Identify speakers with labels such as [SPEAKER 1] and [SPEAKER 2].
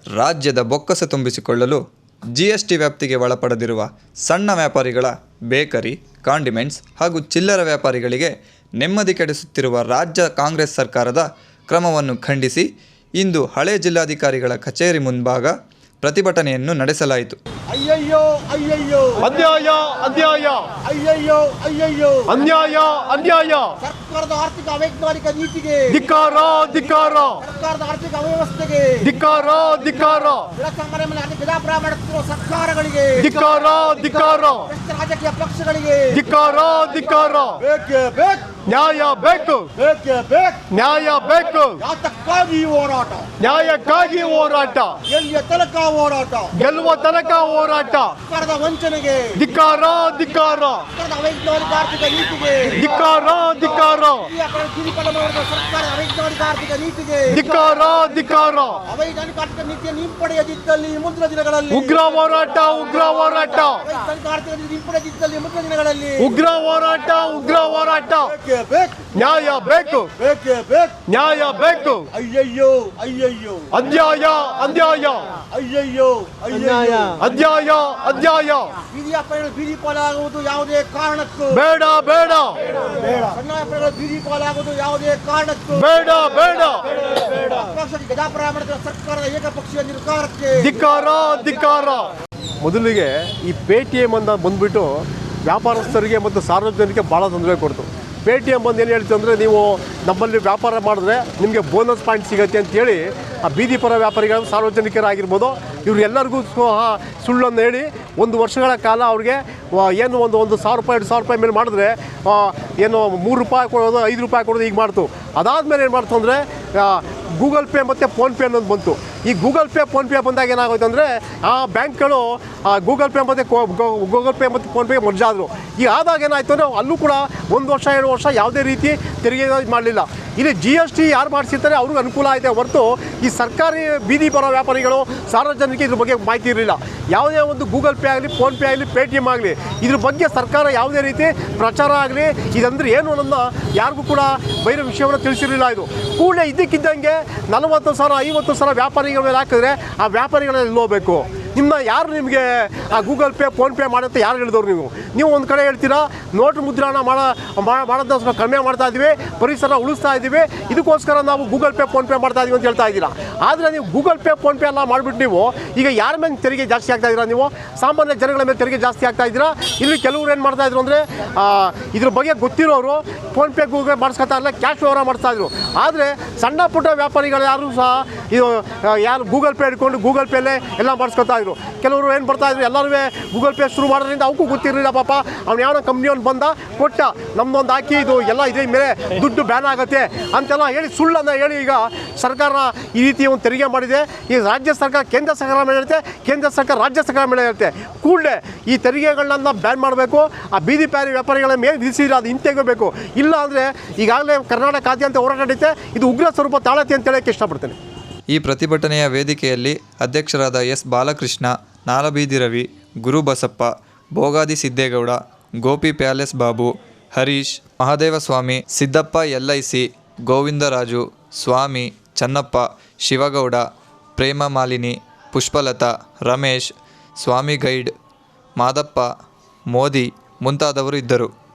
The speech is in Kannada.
[SPEAKER 1] ರಾಜ್ಯದ ಬೊಕ್ಕಸ ತುಂಬಿಸಿಕೊಳ್ಳಲು ಜಿಎಸ್ಟಿ ವ್ಯಾಪ್ತಿಗೆ ಒಳಪಡದಿರುವ ಸಣ್ಣ ವ್ಯಾಪಾರಿಗಳ ಬೇಕರಿ, ಕಾಂಡಿಮೆಂಟ್ಸ್ ಹಾಗೂ ಚಿಲ್ಲರೆ ವ್ಯಾಪಾರಿಗಳಿಗೆ ನೆಮ್ಮದಿ ಕೆಡಿಸುತ್ತಿರುವ ರಾಜ್ಯ ಕಾಂಗ್ರೆಸ್ ಸರ್ಕಾರದ ಕ್ರಮವನ್ನು ಖಂಡಿಸಿ ಇಂದು ಹಳೆ ಜಿಲ್ಲಾಧಿಕಾರಿಗಳ ಕಚೇರಿ ಮುಂಭಾಗ ಪ್ರತಿಭಟನೆಯನ್ನು ನಡೆಸಲಾಯಿತು.
[SPEAKER 2] ಅಯ್ಯಯ್ಯೋ ಅಯ್ಯಯ್ಯೋ,
[SPEAKER 3] ಅನ್ಯಾಯ ಅನ್ಯಾಯ,
[SPEAKER 2] ಅಯ್ಯಯ್ಯೋ ಅಯ್ಯಯ್ಯೋ,
[SPEAKER 3] ಅನ್ಯಾಯ ಅನ್ಯಾಯ,
[SPEAKER 2] ಸರ್ಕಾರದ ಆರ್ಥಿಕ ಅವೈಜ್ಞಾನಿಕ ನೀತಿಗೆ
[SPEAKER 3] ಧಿಕ್ಕಾರ ಧಿಕ್ಕಾರ,
[SPEAKER 2] ಸರ್ಕಾರದ ಆರ್ಥಿಕ ಅವ್ಯವಸ್ಥೆಗೆ
[SPEAKER 3] ಧಿಕ್ಕಾರ ಧಿಕ್ಕಾರ,
[SPEAKER 2] ಜನಸಾಮಾನ್ಯರ ಮೇಲೆ ಗಜಾಪ್ರಾಯ ಮಾಡುತ್ತಿರುವ ಸರ್ಕಾರಗಳಿಗೆ
[SPEAKER 3] ಧಿಕ್ಕಾರ ಧಿಕ್ಕಾರ,
[SPEAKER 2] ರಾಜಕೀಯ ಪಕ್ಷಗಳಿಗೆ
[SPEAKER 3] ಧಿಕ್ಕಾರ ಧಿಕ್ಕಾರ,
[SPEAKER 2] ಬೇಕೇ ಬೇಕು,
[SPEAKER 3] ನ್ಯಾಯ ಬೇಕು,
[SPEAKER 2] ಬೇಕೇ ಬೇಕು,
[SPEAKER 3] ನ್ಯಾಯ ಬೇಕು,
[SPEAKER 2] ಯಾತಕ್ಕಾಗಿ ಹೋರಾಟ,
[SPEAKER 3] ನ್ಯಾಯಕ್ಕಾಗಿ ಹೋರಾಟ,
[SPEAKER 2] ಎಲ್ಲಿಯ ತನಕ ಹೋರಾಟ,
[SPEAKER 3] ಗೆಲ್ಲುವ ತನಕ ಹೋರಾಟ,
[SPEAKER 2] ಸರ್ಕಾರದ ವಂಚನೆಗೆ
[SPEAKER 3] ಧಿಕ್ಕಾರ ಧಿಕ್ಕಾರ,
[SPEAKER 2] ಸರ್ಕಾರದ ಅವೈಜ್ಞಾನಿಕ ಆರ್ಥಿಕ ನೀತಿಗೆ
[SPEAKER 3] ಧಿಕ್ಕಾರ ಧಿಕ್ಕಾರ,
[SPEAKER 2] ಸರ್ಕಾರದ ಅವೈಜ್ಞಾನಿಕ ಆರ್ಥಿಕ ನೀತಿಗೆ
[SPEAKER 3] ಧಿಕ್ಕಾರ ಧಿಕ್ಕಾರ,
[SPEAKER 2] ಅವೈಜ್ಞಾನಿಕ ಆರ್ಥಿಕ ನೀತಿಯನ್ನು ಹಿಂಪಡೆಯದಿದ್ದಲ್ಲಿ ಮುಂದಿನ ದಿನಗಳಲ್ಲಿ
[SPEAKER 3] ಉಗ್ರ ಹೋರಾಟ ಉಗ್ರ ಹೋರಾಟ,
[SPEAKER 2] ಅವೈಜ್ಞಾನಿಕ ಆರ್ಥಿಕ ನೀತಿ ಹಿಂಪಡೆಯದಿದ್ದಲ್ಲಿ ಮುಂದಿನ ದಿನಗಳಲ್ಲಿ
[SPEAKER 3] ಉಗ್ರ ಹೋರಾಟ ಉಗ್ರ ಹೋರಾಟ,
[SPEAKER 2] ಬೇಕೇ ಬೇಕು,
[SPEAKER 3] ನ್ಯಾಯ ಬೇಕು,
[SPEAKER 2] ಬೇಕೇ ಬೇಕು,
[SPEAKER 3] ನ್ಯಾಯ ಬೇಕು,
[SPEAKER 2] ಅಯ್ಯಯ್ಯೋ ಅಯ್ಯಯ್ಯೋ,
[SPEAKER 3] ಅನ್ಯಾಯ ಅನ್ಯಾಯ,
[SPEAKER 2] ಅಯ್ಯಯ್ಯೋ ಅಯ್ಯಯ್ಯೋ,
[SPEAKER 3] ಅನ್ಯಾಯ ಅನ್ಯಾಯ,
[SPEAKER 2] ಬೀದಿ ವ್ಯಾಪಾರಿಗಳು ಬೀದಿ ಪಾಲಾಗುವುದು ಯಾವುದೇ ಕಾರಣಕ್ಕೂ
[SPEAKER 3] ಬೇಡ ಬೇಡ,
[SPEAKER 2] ಸಣ್ಣ ವ್ಯಾಪಾರಿಗಳು ಬೀದಿ ಪಾಲಾಗುವುದು ಯಾವುದೇ ಕಾರಣಕ್ಕೂ
[SPEAKER 3] ಬೇಡ ಬೇಡ,
[SPEAKER 2] ಗಜಾಪ್ರಾಯ ಮಾಡುತ್ತಿರುವ ಸರ್ಕಾರದ ಏಕಪಕ್ಷೀಯ ನಿರ್ಧಾರಕ್ಕೆ
[SPEAKER 3] ಧಿಕ್ಕಾರ ಧಿಕ್ಕಾರ. ಮೊದಲಿಗೆ ಈ ಪೇಟಿಎಂ ಅಂತ ಬಂದ್ಬಿಟ್ಟು ವ್ಯಾಪಾರಸ್ಥರಿಗೆ ಮತ್ತು ಸಾರ್ವಜನಿಕರಿಗೆ ಭಾಳ ತೊಂದರೆ ಕೊಡ್ತು. ಪೇಟಿಎಂ ಬಂದು ಏನು ಹೇಳ್ತು ಅಂದರೆ, ನೀವು ನಮ್ಮಲ್ಲಿ ವ್ಯಾಪಾರ ಮಾಡಿದ್ರೆ ನಿಮಗೆ ಬೋನಸ್ ಪಾಯಿಂಟ್ ಸಿಗುತ್ತೆ ಅಂತೇಳಿ ಆ ಬೀದಿ ಪರ ವ್ಯಾಪಾರಿಗಳು ಸಾರ್ವಜನಿಕರಾಗಿರ್ಬೋದು ಇವರು ಎಲ್ಲರಿಗೂ ಸುಳ್ಳನ್ನು ಹೇಳಿ ಒಂದು ವರ್ಷಗಳ ಕಾಲ ಅವ್ರಿಗೆ ಏನು ಒಂದು ₹1,000 ₹2,000 ಮೇಲೆ ಮಾಡಿದ್ರೆ ಏನು ₹3 ಕೊಡೋದು ₹5 ಕೊಡೋದು ಈಗ ಮಾಡ್ತು. ಅದಾದಮೇಲೆ ಏನು ಮಾಡ್ತು ಅಂದರೆ ಗೂಗಲ್ ಪೇ ಮತ್ತು ಫೋನ್ಪೇ ಅನ್ನೋದು ಬಂತು. ಈ ಗೂಗಲ್ ಪೇ ಫೋನ್ಪೇ ಬಂದಾಗ ಏನಾಗೋಯ್ತು ಅಂದರೆ ಆ ಬ್ಯಾಂಕ್ಗಳು ಗೂಗಲ್ ಪೇ ಮತ್ತು ಫೋನ್ಪೇ ಮರ್ಜ್ ಆದರು. ಈಗ ಆದಾಗ ಏನಾಯಿತು ಅಂದರೆ ಅಲ್ಲೂ ಕೂಡ 1 ವರ್ಷ 2 ವರ್ಷ ಯಾವುದೇ ರೀತಿ ತೆರಿಗೆ ಮಾಡಲಿಲ್ಲ. ಇಲ್ಲಿ GST ಯಾರು ಮಾಡಿಸಿರ್ತಾರೆ ಅವ್ರಿಗೆ ಅನುಕೂಲ ಆಯಿತೆ ಹೊರತು ಈ ಸರ್ಕಾರಿ ಬೀದಿ ಬರೋ ವ್ಯಾಪಾರಿಗಳು ಸಾರ್ವಜನಿಕರಿಗೆ ಇದ್ರ ಬಗ್ಗೆ ಮಾಹಿತಿ ಇರಲಿಲ್ಲ. ಯಾವುದೇ ಒಂದು ಗೂಗಲ್ ಪೇ ಆಗಲಿ, ಫೋನ್ಪೇ ಆಗಲಿ, ಪೇಟಿಎಮ್ ಆಗಲಿ ಇದ್ರ ಬಗ್ಗೆ ಸರ್ಕಾರ ಯಾವುದೇ ರೀತಿ ಪ್ರಚಾರ ಆಗಲಿ ಇದಂದರೆ ಏನು ಅನ್ನೋದನ್ನ ಯಾರಿಗೂ ಕೂಡ ಬೈರೋ ವಿಷಯವನ್ನು ತಿಳಿಸಿರಲಿಲ್ಲ. ಇದು ಕೂಡಲೇ ಇದ್ದಕ್ಕಿದ್ದಂಗೆ 40,000 50,000 ವ್ಯಾಪಾರಿಗಳ ಮೇಲೆ ಹಾಕಿದ್ರೆ ಆ ವ್ಯಾಪಾರಿಗಳೆಲ್ಲ ಹೋಗಬೇಕು. ಯಾರು ನಿಮಗೆ ಆ ಗೂಗಲ್ ಪೇ ಫೋನ್ಪೇ ಮಾಡುತ್ತೆ ಯಾರು ಹೇಳಿದವ್ರು? ನೀವು ಒಂದು ಕಡೆ ಹೇಳ್ತೀರಾ ನೋಟು ಮುದ್ರಣ ಮಾಡೋದನ್ನ ಕಡಿಮೆ ಮಾಡ್ತಾ ಇದ್ದೀವಿ, ಪರಿಸರ ಉಳಿಸ್ತಾ ಇದ್ದೀವಿ, ಇದಕ್ಕೋಸ್ಕರ ನಾವು ಗೂಗಲ್ ಪೇ ಫೋನ್ಪೇ ಮಾಡ್ತಾ ಇದ್ದೀವಿ ಅಂತ ಹೇಳ್ತಾ ಇದ್ದೀರಾ. ಆದರೆ ನೀವು ಗೂಗಲ್ ಪೇ ಫೋನ್ಪೇ ಎಲ್ಲ ಮಾಡಿಬಿಟ್ಟು ನೀವು ಈಗ ಯಾರ ಮೇಲೆ ತೆರಿಗೆ ಜಾಸ್ತಿ ಆಗ್ತಾ ಇದ್ದೀರಾ? ನೀವು ಸಾಮಾನ್ಯ ಜನಗಳ ಮೇಲೆ ತೆರಿಗೆ ಜಾಸ್ತಿ ಆಗ್ತಾ ಇದ್ದೀರಾ. ಇಲ್ಲಿ ಕೆಲವರು ಏನು ಮಾಡ್ತಾಯಿದ್ರು ಅಂದರೆ ಇದ್ರ ಬಗ್ಗೆ ಗೊತ್ತಿರೋರು ಫೋನ್ಪೇ ಗೂಗಲ್ ಮಾಡಿಸ್ಕೊತಾ ಇಲ್ಲ, ಕ್ಯಾಶ್ ವ್ಯವಹಾರ ಮಾಡಿಸ್ತಾಯಿದ್ರು. ಆದರೆ ಸಣ್ಣ ಪುಟ್ಟ ವ್ಯಾಪಾರಿಗಳು ಯಾರು ಸಹ ಇದು ಯಾರು ಗೂಗಲ್ ಪೇ ಹಿಡ್ಕೊಂಡು ಗೂಗಲ್ ಪೇಲೇ ಎಲ್ಲ ಮಾಡಿಸ್ಕೊತಾ ಇದ್ರು. ಕೆಲವರು ಏನು ಬರ್ತಾಯಿದ್ರು ಎಲ್ಲರೂ ಗೂಗಲ್ ಪೇ ಶುರು ಮಾಡೋದ್ರಿಂದ ಅವಕ್ಕೂ ಗೊತ್ತಿರಲಿಲ್ಲ. ಪಾಪ ಅವ್ನು ಯಾವ ಕಂಪ್ನಿಯವ್ನು ಬಂದ ಕೊಟ್ಟ ನಮ್ಮದೊಂದು ಹಾಕಿ ಇದು ಎಲ್ಲ ಇದ್ರ ಮೇಲೆ ದುಡ್ಡು ಬ್ಯಾನ್ ಆಗುತ್ತೆ ಅಂತೆಲ್ಲ ಹೇಳಿ ಸುಳ್ಳನ್ನು ಹೇಳಿ ಈಗ ಸರ್ಕಾರ ಈ ರೀತಿ ಒಂದು ತೆರಿಗೆ ಮಾಡಿದೆ. ಈ ರಾಜ್ಯ ಸರ್ಕಾರ ಕೇಂದ್ರ ಸರ್ಕಾರ ಮೇಲೆ ಹೇಳುತ್ತೆ, ಕೇಂದ್ರ ಸರ್ಕಾರ ರಾಜ್ಯ ಸರ್ಕಾರ ಮೇಲೆ ಹೇಳುತ್ತೆ. ಕೂಡಲೇ ಈ ತೆರಿಗೆಗಳನ್ನ ಬ್ಯಾನ್ ಮಾಡಬೇಕು. ಆ ಬೀದಿ ಪ್ಯಾರಿ ವ್ಯಾಪಾರಿಗಳ ಮೇಲೆ ವಿಧಿಸಿದ್ರೆ ಅದು ಹಿಂತೆಗಬೇಕು. ಇಲ್ಲ ಅಂದರೆ ಈಗಾಗಲೇ ಕರ್ನಾಟಕಾದ್ಯಂತ ಹೋರಾಟ ನಡೆಯುತ್ತೆ. ಇದು ಉಗ್ರ ಸ್ವರೂಪ ತಾಳತ್ತೆ ಅಂತ ಹೇಳೋಕ್ಕೆ ಇಷ್ಟಪಡ್ತೇನೆ.
[SPEAKER 1] ಈ ಪ್ರತಿಭಟನೆಯ ವೇದಿಕೆಯಲ್ಲಿ ಅಧ್ಯಕ್ಷರಾದ S Balakrishna, Nalabeedi Ravi, Gurubasappa, Bhogadi Siddegowda, Gopi palace Babu, Harish, Mahadevaswamy, Siddappa LIC, Govindaraju, Swamy, Channappa, Shivagowda, Prema Malini, Pushpalatha, Ramesh, Swamy guide, Madappa, Modi ಮುಂತಾದವರು ಇದ್ದರು.